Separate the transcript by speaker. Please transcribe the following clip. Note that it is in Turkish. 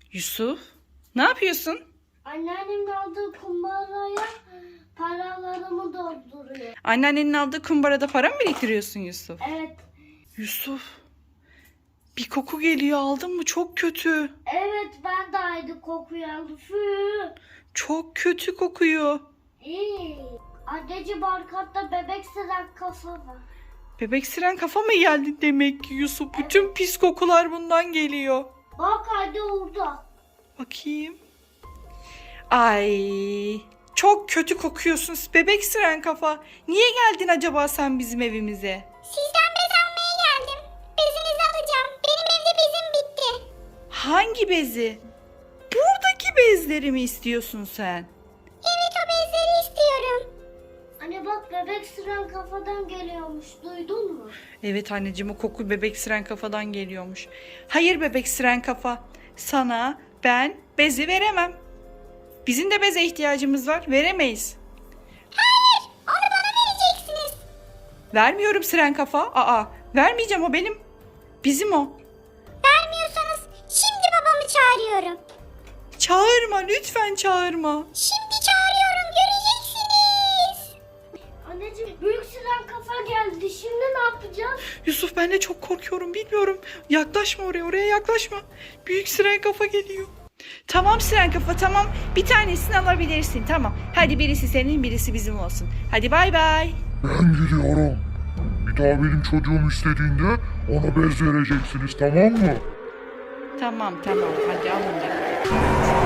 Speaker 1: Yusuf, ne yapıyorsun?
Speaker 2: Anneannemin aldığı kumbaraya paralarımı dolduruyor.
Speaker 1: Anneannenin aldığı kumbarada para mı biriktiriyorsun Yusuf?
Speaker 2: Evet.
Speaker 1: Yusuf, bir koku geliyor, aldın mı? Çok kötü.
Speaker 2: Evet, ben de aynı kokuyu aldım. Fü.
Speaker 1: Çok kötü kokuyor.
Speaker 2: İyi. Anneciğim arkamda bebek sıran kafa var.
Speaker 1: Bebek siren kafa mı geldi demek ki Yusuf? Bütün pis kokular bundan geliyor.
Speaker 2: Bak anne orada.
Speaker 1: Bakayım. Ay, çok kötü kokuyorsun bebek siren kafa. Niye geldin acaba sen bizim evimize?
Speaker 3: Sizden bez almaya geldim. Bezinizi alacağım. Benim evde bezim bitti.
Speaker 1: Hangi bezi? Buradaki bezleri mi istiyorsun sen?
Speaker 3: Evet, o bezleri istiyorum.
Speaker 2: Anne bak, bebek sıran kafadan geliyormuş. Duydun mu?
Speaker 1: Evet anneciğim, o koku bebek siren kafadan geliyormuş. Hayır bebek siren kafa. Sana ben bezi veremem. Bizim de beze ihtiyacımız var. Veremeyiz.
Speaker 3: Hayır, onu bana vereceksiniz.
Speaker 1: Vermiyorum siren kafa. Vermeyeceğim, o benim. Bizim o.
Speaker 3: Vermiyorsanız şimdi babamı çağırıyorum.
Speaker 1: Çağırma, lütfen çağırma.
Speaker 3: Şimdi çağırıyorum, göreceksiniz.
Speaker 2: Anneciğim, büyük sıran kafa geldi. Şimdi ne yapacağız?
Speaker 1: Yusuf, ben de çok korkuyorum, bilmiyorum. Yaklaşma oraya yaklaşma. Büyük siren kafa geliyor. Tamam siren kafa, tamam. Bir tanesini alabilirsin, tamam. Hadi birisi senin, birisi bizim olsun. Hadi bay bay.
Speaker 4: Ben gidiyorum. Bir daha benim çocuğum istediğinde ona bez vereceksiniz, tamam mı?
Speaker 1: Tamam hadi alın.